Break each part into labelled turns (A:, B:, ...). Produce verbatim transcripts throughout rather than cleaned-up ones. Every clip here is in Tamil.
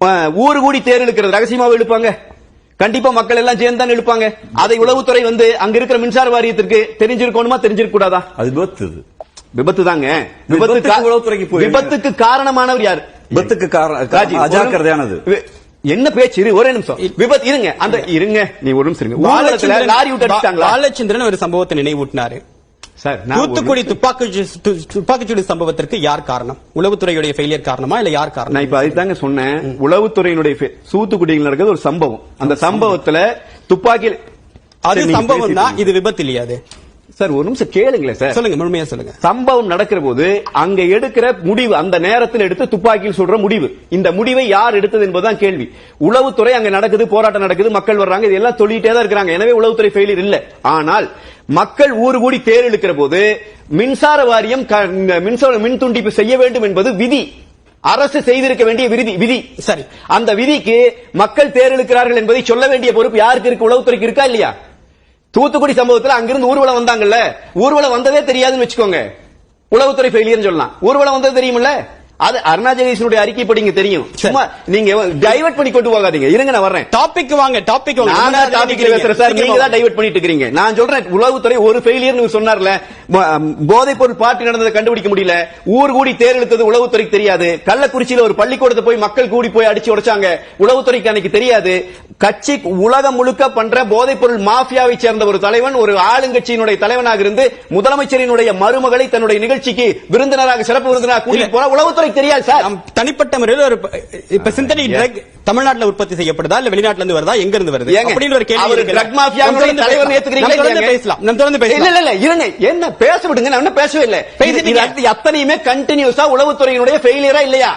A: ஊரு கூடி தேர் இழுக்கிறது ரகசியமாக இழுப்பாங்க. கண்டிப்பா மக்கள் எல்லாம் சேர்ந்து தான் இழுப்பாங்க. அதை உளவுத்துறை வந்து அங்க இருக்கிற மின்சார வாரியத்திற்கு தெரிஞ்சிருக்கணுமா தெரிஞ்சிருக்க கூடாதா? அது விபத்து விபத்து தாங்க. விபத்துக்கு விபத்துக்கு காரணமானவர் யார்? விபத்துக்கு காரணம் அஜாக்கிரதையானது. என்ன பேச்சு? ஒரே நிமிஷம். விபத்து இருங்க அந்த இருங்க நீ ஒரு நிமிஷம் இருங்க. லாரி விட்டு அடிச்சாங்களா? பாலச்சந்திரன் ஒரு சம்பவத்தை நினைவூட்டினாரு. தூத்துக்குடி துப்பாக்கி துப்பாக்கிச்சூடு சம்பவத்திற்கு யார் காரணம்? உளவுத்துறையுடைய ஃபெயிலியர் காரணமா இல்ல யார் காரணம்? நான் இப்ப அதுதாங்க சொன்னேன். உளவுத்துறையினுடைய தூத்துக்குடியில் நடக்கிறது ஒரு சம்பவம். அந்த சம்பவத்துல துப்பாக்கி அது சம்பவம் தான், இது விபத்து இல்லையா? அது சார் ஒரு நிமிஷம் கேளுங்களேன் சார். சொல்லுங்க, முழுமையா சொல்லுங்க. சம்பவம் நடக்கிற போது அங்க எடுக்கிற முடிவு, அந்த நேரத்தில் எடுத்து துப்பாக்கியில் சொல்ற முடிவு, இந்த முடிவை யார் எடுத்தது என்பதுதான் கேள்வி. உளவுத்துறை அங்க நடக்குது, போராட்டம் நடக்குது, மக்கள் வர்றாங்க, இது எல்லாம் சொல்லிட்டே தான் இருக்கிறாங்க. எனவே உளவுத்துறை ஃபெயிலியர் இல்ல. ஆனால் மக்கள் ஊரு கூடி தேர் இழுக்கிற போது மின்சார வாரியம் மின்சார மின் துண்டிப்பு செய்ய வேண்டும் என்பது விதி, அரசு செய்திருக்க வேண்டிய விதி விதி சரி. அந்த விதிக்கு மக்கள் தேர் இழுக்கிறார்கள் என்பதை சொல்ல வேண்டிய பொறுப்பு யாருக்கு இருக்கு? உளவுத்துறைக்கு இருக்கா இல்லையா? தூத்துக்குடி சம்பவத்தில் அங்கிருந்து ஊர்வலம் வந்தாங்கல்ல, ஊர்வலம் வந்ததே தெரியாதுன்னு வச்சுக்கோங்க, உளவுத்துறை ஃபெயிலியர் சொல்லலாம். ஊர்வலம் வந்தது தெரியுமில்ல, அது அருணா ஜெகதீஷனுடைய அறிக்கை படிங்க தெரியும். சும்மா நீங்க டைவர்ட் பண்ணி கொண்டு போகாதீங்க. இருங்க நான் வர்றேன். டாபிக் வாங்க, டாபிக் வாங்க. நான் தான் டாபிக் பேசுறேன் சார், நீங்க தான் டைவர்ட் பண்ணிட்டு இருக்கீங்க. நான் சொல்றேன் உளவுத்துறை ஒரு ஃபெயிலியர் சொன்னார்ல, போதைப் பொருள் பார்ட்டி நடந்ததை கண்டுபிடிக்க முடியல, ஊர் கூடி தேர் இழுத்தது உளவுத்துறைக்கு தெரியாது, கள்ளக்குறிச்சியில ஒரு பள்ளிக்கூடத்தை போய் மக்கள் கூடி போய் அடிச்சு உடைச்சாங்க, உளவுத்துறைக்கு அன்னைக்கு தெரியாது. கட்சி உலகம் முழுக்க பண்ற போதைப் பொருள் மாஃபியாவை சேர்ந்த ஒரு தலைவன் ஒரு ஆளுங்கட்சியினுடைய தலைவனாக இருந்து முதலமைச்சரினுடைய மருமகளை தன்னுடைய நிகழ்ச்சிக்கு விருந்தினராக சிறப்பு விருந்தினராக கூட்டிட்டு போற உளவுத்துறை தெரியாது சார். தனிப்பட்ட முறையில் ஒரு இப்ப சிந்தடிக் ட்ரக் தமிழ்நாட்டில் உற்பத்தி செய்யப்படுதா இல்ல வெளிநாட்டுல இருந்து வருதா, எங்க இருந்து வருது அப்படின்னு ஒரு கேள்வி. ட்ரக் மாஃபியாவுடைய தலைவர் ஏத்துக்கிறீங்களா? பேசலாம், நம்ம தொடர்ந்து பேசலாம். இல்ல இல்ல இருங்க, என்ன பேச விடுங்க, நான் என்ன பேசவே இல்லை. அத்தனையுமே கண்டினியூஸா உளவுத்துறையினுடைய ஃபெயிலியரா இல்லையா?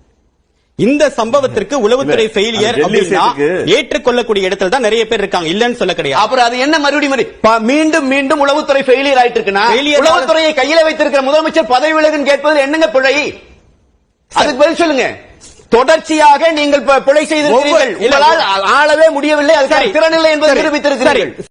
A: இந்த சம்பவத்திற்கு உளவுத்துறை ஃபெயிலியர் அப்படின்னா ஏற்றுக்கொள்ளக்கூடிய இடத்துல தான் நிறைய பேர் இருக்காங்க, இல்லன்னு சொல்ல கிடையாது. அப்புறம் அது என்ன மறுபடியும் மீண்டும் மீண்டும் உளவுத்துறை ஃபெயிலியர் ஆயிட்டு இருக்குன்னா, உளவுத்துறையை கையில வைத்திருக்கிற முதலமைச்சர் பதவி விலகுன்னு கேட்பதில் என்னங்க பிழை? அதுக்கு பதில் சொல்லுங்க. தொடர்ச்சியாக நீங்கள் பிழை செய்திருக்கிறீர்கள், உங்களால் ஆளவே முடியவில்லை, அதுக்கான திறனில்லை என்பதை நிரூபித்திருக்கிறீர்கள்.